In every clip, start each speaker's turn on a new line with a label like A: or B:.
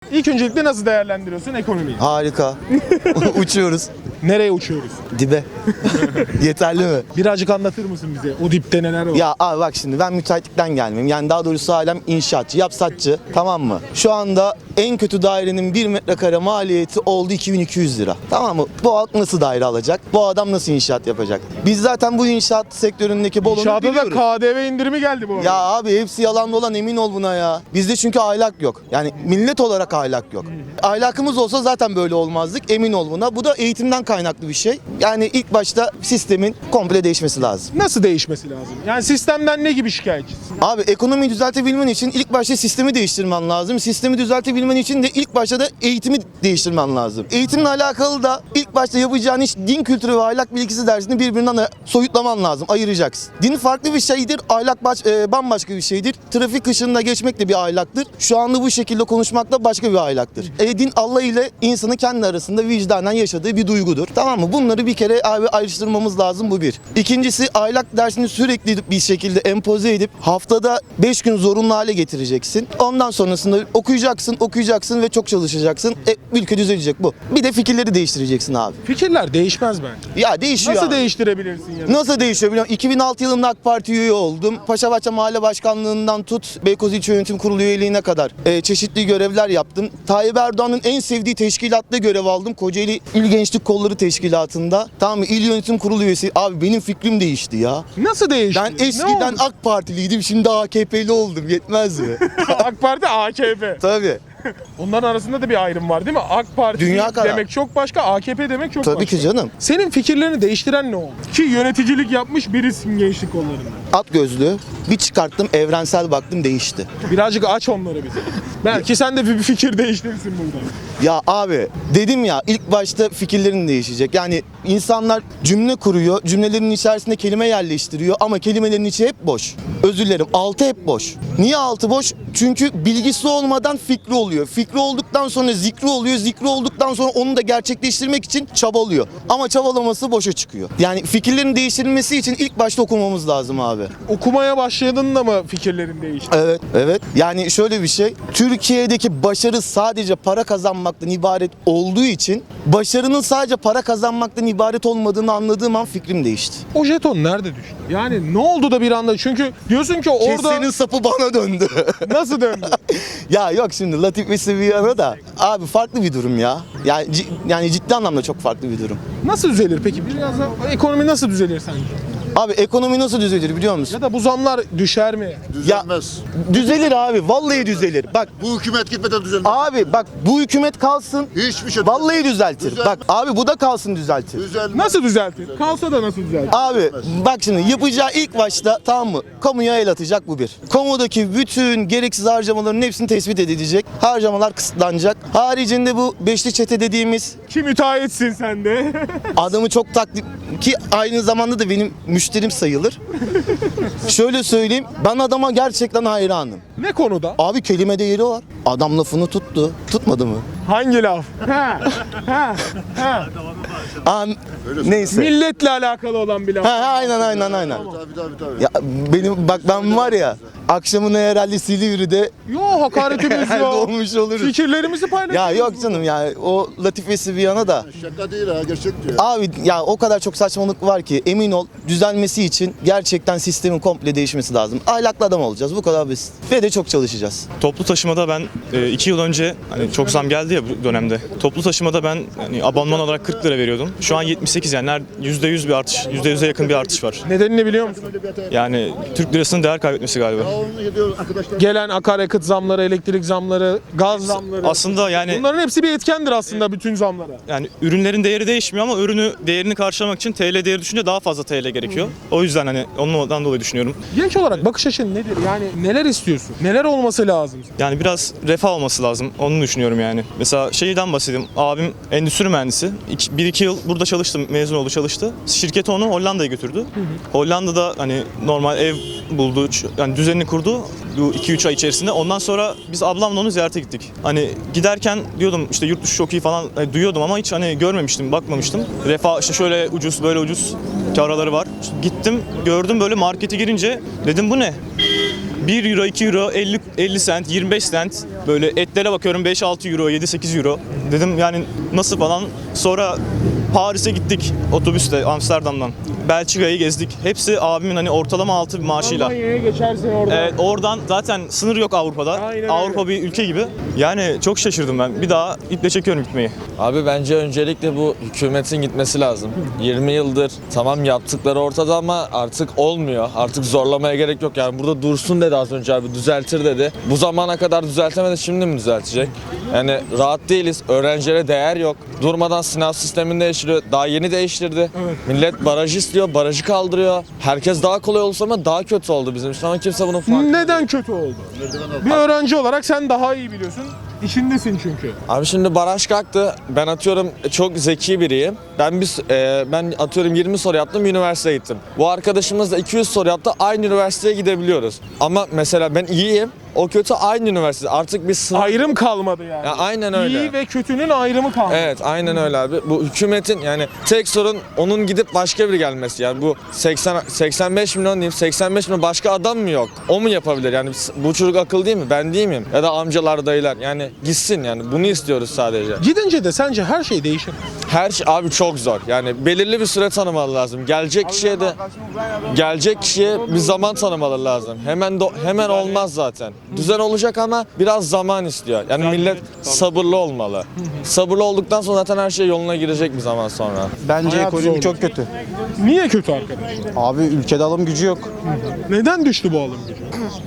A: İlk öncelikle nasıl değerlendiriyorsun ekonomiyi?
B: Harika. Uçuyoruz.
A: Nereye uçuyoruz?
B: Dibe. Yeterli mi?
A: Birazcık anlatır mısın bize? O dipte neler var?
B: Ya abi bak şimdi ben müteahhitlikten gelmeyeyim. Yani daha doğrusu ailem inşaatçı, yapsatçı. Tamam mı? Şu anda en kötü dairenin 1 metrekare maliyeti oldu 2200 lira. Tamam mı? Bu halk nasıl daire alacak? Bu adam nasıl inşaat yapacak? Biz zaten bu inşaat sektöründeki bolunu
A: İnşaata da
B: biliyoruz.
A: KDV indirimi geldi bu arada.
B: Ya abi hepsi yalan dolan, emin ol buna ya. Bizde çünkü ahlak yok. Yani millet olarak ahlak yok. Ahlakımız olsa zaten böyle olmazdık, emin ol buna. Bu da eğitimden kaynaklı bir şey. Yani ilk başta sistemin komple değişmesi lazım.
A: Nasıl değişmesi lazım? Yani sistemden ne gibi şikayetçisin?
B: Abi ekonomiyi düzeltebilmen için ilk başta sistemi değiştirmen lazım. Sistemi düzeltebilmen için de ilk başta da eğitimi değiştirmen lazım. Eğitimle alakalı da ilk başta yapacağın iş din kültürü ve ahlak bilgisi dersini birbirinden soyutlaman lazım, ayıracaksın. Din farklı bir şeydir, ahlak bambaşka bir şeydir. Trafik ışığında geçmek de bir ahlaktır. Şu anda bu şekilde konuşmak da başka bir ahlaktır. Din Allah ile insanın kendi arasında vicdanen yaşadığı bir duygudur. Tamam mı? Bunları bir kere abi ayrıştırmamız lazım, bu bir. İkincisi, ahlak dersini sürekli bir şekilde empoze edip haftada 5 gün zorunlu hale getireceksin. Ondan sonrasında okuyacaksın ve çok çalışacaksın. Ülke düzelecek bu. Bir de fikirleri değiştireceksin abi.
A: Fikirler değişmez bence.
B: Ya değişiyor
A: Nasıl
B: abi.
A: değiştirebilirsin ya?
B: Nasıl değişiyor biliyor musun? 2006 yılında AK Parti üye oldum. Paşabahçe Mahalle Başkanlığından tut, Beykoz İlçe Yönetim Kurulu üyeliğine kadar çeşitli görevler yaptım. Tayyip Erdoğan'ın en sevdiği teşkilatta görev aldım. Kocaeli İl Gençlik Kolları Teşkilatı'nda. Tamam mı? İl Yönetim Kurulu üyesi. Abi benim fikrim değişti ya.
A: Nasıl değişti?
B: Ben eskiden AK Partiliydim, şimdi AKP'li oldum. Yetmez mi?
A: AK Parti, AKP.
B: Tabii.
A: Onların arasında da bir ayrım var değil mi? AK Parti
B: Dünya kadar.
A: demek çok başka, AKP demek çok başka.
B: Tabii ki canım.
A: Senin fikirlerini değiştiren ne oldu? Ki yöneticilik yapmış birisin gençlik kollarında.
B: At gözlüğü. Bir çıkarttım, evrensel baktım, değişti.
A: Birazcık aç onları bize. Belki sen de bir fikir değiştirirsin burada.
B: Ya abi dedim ya, ilk başta fikirlerin değişecek. Yani insanlar cümle kuruyor, cümlelerin içerisinde kelime yerleştiriyor ama kelimelerin içi hep boş. Özür dilerim, altı hep boş. Niye altı boş? Çünkü bilgisi olmadan fikri oluyor. Fikri olduktan sonra zikri oluyor. Zikri olduktan sonra onu da gerçekleştirmek için çabalıyor. Ama çabalaması boşa çıkıyor. Yani fikirlerin değiştirilmesi için ilk başta okumamız lazım abi.
A: Okumaya başladığında mı fikirlerin değişti?
B: Evet, evet. Yani şöyle bir şey. Türkiye'deki başarı sadece para kazanmaktan ibaret olduğu için başarının sadece para kazanmaktan ibaret olmadığını anladığım an fikrim değişti.
A: O jeton nerede düştü? Yani ne oldu da bir anda? Çünkü diyorsun ki orada
B: Kesenin sapı bana döndü.
A: nasıl döndü?
B: Ya yok şimdi Latif ve Sevilla'na da abi farklı bir durum ya. Yani ciddi anlamda çok farklı bir durum.
A: Nasıl düzelir peki? Biraz da ekonomi nasıl düzelir sence?
B: Abi ekonomi nasıl düzelir biliyor musun?
A: Ya da bu zamlar düşer mi?
C: Düzelmez.
B: Düzelir abi, vallahi düzelir. Bak
C: Bu hükümet gitmeden düzelmez.
B: abi, bak bu hükümet kalsın.
C: Hiçbir şey
B: Vallahi düzeltir.
C: Düzelmez.
B: Bak abi, bu da kalsın, düzeltir.
C: düzelmez.
A: Nasıl düzeltir? Kalsa da nasıl düzeltir?
B: Abi bak şimdi yapacağı ilk başta, tamam mı? Kamuya el atacak, bu bir. Kamudaki bütün gereksiz harcamaların hepsini tespit edilecek. Harcamalar kısıtlanacak. Haricinde bu beşli çete dediğimiz
A: Ki müteahhitsin sen de.
B: adamı çok taklit ki aynı zamanda da benim müşterim sayılır. Şöyle söyleyeyim, ben adama gerçekten hayranım.
A: Ne konuda?
B: Abi kelime değeri var. Adam lafını tuttu. Tutmadı mı?
A: Hangi laf?
B: Neyse.
A: Milletle alakalı olan bir laf.
B: Aynen.
C: Tabii.
B: Ya benim bak, ben var ya, akşamına herhalde Silivri'de
A: Yo, hakaretimiz yok.
B: olmuş oluruz.
A: Fikirlerimizi
B: Ya
A: paylaşıyoruz.
B: yok canım ya, o Latifesi bir yana da.
C: Şaka değil ha, gerçek diyor.
B: Abi ya o kadar çok saçmalık var ki, emin ol düzelmesi için gerçekten sistemin komple değişmesi lazım. Ahlaklı adam olacağız, bu kadar basit. Ve de çok çalışacağız.
D: Toplu taşımada ben 2 yıl önce, hani çok zam geldi ya bu dönemde. Toplu taşımada ben hani abonman olarak 40 lira veriyordum. Şu an 78, yani %100 bir artış, %100'e yakın bir artış var.
A: Nedenini biliyor musun?
D: Yani Türk lirasının değer kaybetmesi galiba.
C: Onu gidiyor arkadaşlar.
A: Gelen akaryakıt zamları, elektrik zamları, gaz zamları.
D: Aslında yani
A: Bunların hepsi bir etkendir aslında bütün zamlara.
D: ürünlerin değeri değişmiyor ama değerini karşılamak için TL değeri düşünce daha fazla TL gerekiyor. O yüzden hani ondan dolayı düşünüyorum.
A: Genç olarak bakış açın nedir? Yani neler istiyorsun? Neler olması lazım?
D: Yani biraz refah olması lazım. Onu düşünüyorum yani. Mesela şeyden bahsedeyim. Abim endüstri mühendisi. 1-2 yıl burada çalıştı. Mezun oldu, çalıştı. Şirketi onu Hollanda'ya götürdü. Hollanda'da hani normal ev buldu. Yani düzenini kurdu. Bu 2-3 ay içerisinde. Ondan sonra biz ablamla onu ziyarete gittik. Hani giderken diyordum işte yurt dışı çok iyi falan duyuyordum ama hiç hani görmemiştim, bakmamıştım. Refah işte şöyle ucuz, böyle ucuz araları var. İşte gittim, gördüm, böyle markete girince dedim bu ne? 1 euro, 2 euro, 50 cent, 25 cent. Böyle etlere bakıyorum 5-6 euro, 7-8 euro. Dedim yani nasıl falan. Sonra Paris'e gittik otobüste Amsterdam'dan. Belçika'yı gezdik. Hepsi abimin hani ortalama altı bir maaşıyla.
A: Almanya'ya geçersin orada.
D: Evet, oradan zaten sınır yok Avrupa'da.
A: Aynen öyle.
D: Avrupa bir ülke gibi. Yani çok şaşırdım ben. Bir daha iple çekiyorum gitmeyi.
E: Abi bence öncelikle bu hükümetin gitmesi lazım. 20 yıldır tamam yaptıkları ortada ama artık olmuyor. Artık zorlamaya gerek yok. Yani burada dursun dedi az önce abi, düzeltir dedi. Bu zamana kadar düzeltemedi, şimdi mi düzeltecek? Yani rahat değiliz. Öğrencilere değer yok. Durmadan sınav sistemini değiştiriyor. Daha yeni değiştirdi. Millet baraj istiyor, barajı kaldırıyor. Herkes daha kolay olsa ama daha kötü oldu bizim için ama kimse bunun farkında.
A: Neden kötü oldu? Bir öğrenci olarak sen daha iyi biliyorsun. İçindesin çünkü.
E: Abi şimdi baraj kalktı. Ben atıyorum çok zeki biriyim. Ben atıyorum 20 soru yaptım, üniversiteye gittim. Bu arkadaşımız da 200 soru yaptı, aynı üniversiteye gidebiliyoruz. Ama mesela ben iyiyim, o kötü, aynı üniversite. Artık bir sınav...
A: Ayrım kalmadı yani.
E: Ya aynen öyle.
A: İyi ve kötünün ayrımı kalmadı.
E: Evet, aynen öyle abi. Bu hükümetin yani tek sorun onun gidip başka biri gelmesi. Yani bu 85 milyon diyeyim, 85 milyon başka adam mı yok? O mu yapabilir? Yani bu çocuk akıllı değil mi? Ben değil miyim? Ya da amcalar, dayılar. Yani gitsin yani. Bunu istiyoruz sadece.
A: Gidince de sence her şey değişir.
E: Her şey abi çok zor. Yani belirli bir süre tanımalı lazım. Gelecek kişiye bir zaman tanımalı lazım. Hemen olmaz zaten. Düzen olacak ama biraz zaman istiyor. Yani millet sabırlı olmalı. Sabırlı olduktan sonra zaten her şey yoluna girecek bir zaman sonra.
F: Bence
A: Hayat
F: ekonomi
A: zor.
F: çok kötü.
A: Niye kötü arkadaş?
F: Abi ülkede alım gücü yok.
A: Neden düştü bu alım gücü?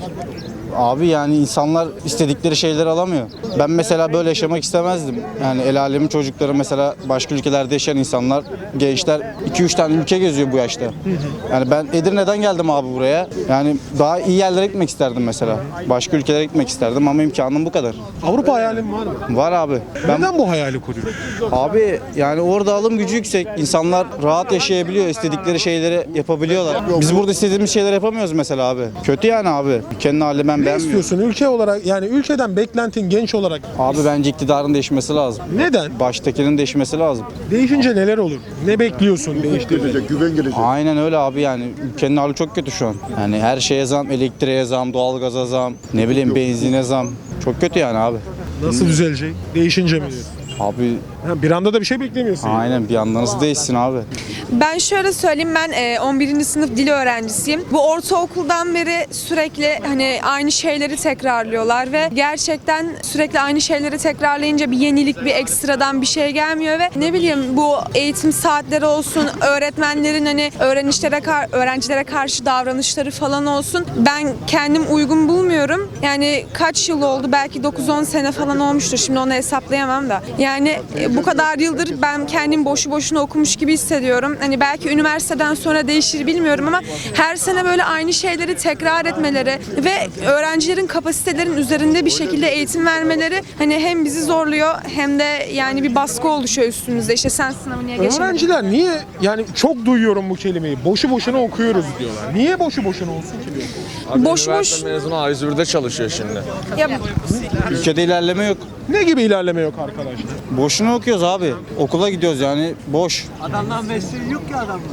F: Abi yani insanlar istedikleri şeyleri alamıyor. Ben mesela böyle yaşamak istemezdim. Yani el alemin çocukları mesela başka ülkelerde yaşayan insanlar, gençler 2-3 tane ülke geziyor bu yaşta. Yani ben Edirne'den geldim abi buraya. Yani daha iyi yerlere gitmek isterdim mesela. Başka ülkelere gitmek isterdim ama imkanım bu kadar.
A: Avrupa hayalin var mı?
F: Var abi.
A: Neden bu hayali kuruyorsun?
F: Abi yani orada alım gücü yüksek. İnsanlar rahat yaşayabiliyor. İstedikleri şeyleri yapabiliyorlar. Biz burada istediğimiz şeyleri yapamıyoruz mesela abi. Kötü yani abi. Ülkenin hali ben
A: Ne
F: beğenmiyorum.
A: istiyorsun ülke olarak, yani ülkeden beklentin genç olarak?
F: Abi bence iktidarın değişmesi lazım.
A: Neden?
F: Baştakinin değişmesi lazım.
A: Değişince neler olur? Ne bekliyorsun değiştiğinde?
C: Gelecek, güven gelecek.
F: Aynen öyle abi yani ülkenin hali çok kötü şu an. Yani her şeye zam, elektriğe zam, doğalgaza zam, ne bileyim benzine zam. Çok kötü yani abi.
A: Nasıl düzelecek? Değişince mi diyorsun?
F: Abi
A: Ha, bir anda da bir şey beklemiyorsun. yani.
F: aynen bir anda nasıl değişsin abi?
G: Ben şöyle söyleyeyim, ben 11. sınıf dil öğrencisiyim. Bu ortaokuldan beri sürekli hani aynı şeyleri tekrarlıyorlar ve gerçekten sürekli aynı şeyleri tekrarlayınca bir yenilik, bir ekstradan bir şey gelmiyor ve ne bileyim bu eğitim saatleri olsun, öğretmenlerin hani öğrencilere karşı davranışları falan olsun. Ben kendim uygun bulmuyorum. Yani kaç yıl oldu? Belki 9-10 sene falan olmuştur. Şimdi onu hesaplayamam da. Yani bu kadar yıldır ben kendim boşu boşuna okumuş gibi hissediyorum. Hani belki üniversiteden sonra değişir bilmiyorum ama her sene böyle aynı şeyleri tekrar etmeleri ve öğrencilerin kapasitelerin üzerinde bir şekilde eğitim vermeleri hani hem bizi zorluyor hem de yani bir baskı oluşuyor üstümüzde. İşte sen sınavı niye geçemedin?
A: Öğrenciler niye, yani çok duyuyorum bu kelimeyi, boşu boşuna okuyoruz diyorlar. Niye boşu boşuna olsun ki diyor.
E: Abi
G: Boş
E: üniversite mezunu A101'de çalışıyor şimdi.
G: Ya,
F: Ülkede ilerleme yok.
A: Ne gibi ilerleme yok arkadaşlar?
F: Boşuna okuyoruz abi. Okula gidiyoruz yani boş.
H: Adamdan mesleği yok ki adamın.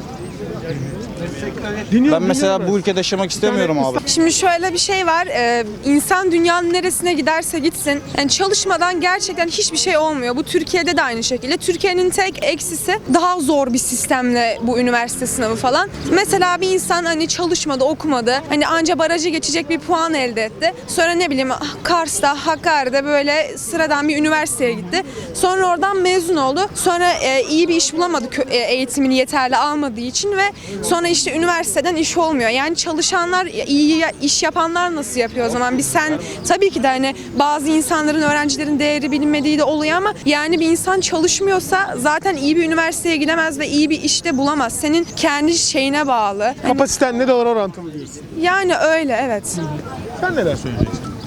F: Ben mesela bu ülkede yaşamak istemiyorum abi.
G: şimdi şöyle bir şey var. İnsan dünyanın neresine giderse gitsin. Yani çalışmadan gerçekten hiçbir şey olmuyor. Bu Türkiye'de de aynı şekilde. Türkiye'nin tek eksisi daha zor bir sistemle bu üniversite sınavı falan. Mesela bir insan hani çalışmadı, okumadı. Hani anca barajı geçecek bir puan elde etti. Sonra ne bileyim Kars'ta, Hakkari'de böyle sıradan bir üniversiteye gitti. Sonra oradan mezun oldu. Sonra iyi bir iş bulamadı eğitimini yeterli almadığı için ve sonra işte üniversiteden iş olmuyor. Yani çalışanlar, iyi iş yapanlar nasıl yapıyor o zaman? Sen tabii ki de hani bazı insanların, öğrencilerin değeri bilinmediği de oluyor ama yani bir insan çalışmıyorsa zaten iyi bir üniversiteye gidemez ve iyi bir işte bulamaz. Senin kendi şeyine bağlı. Hani
A: Kapasiten ne kadar orantılı diyorsun.
G: yani öyle, evet.
A: Sen neler söyleyeceksin?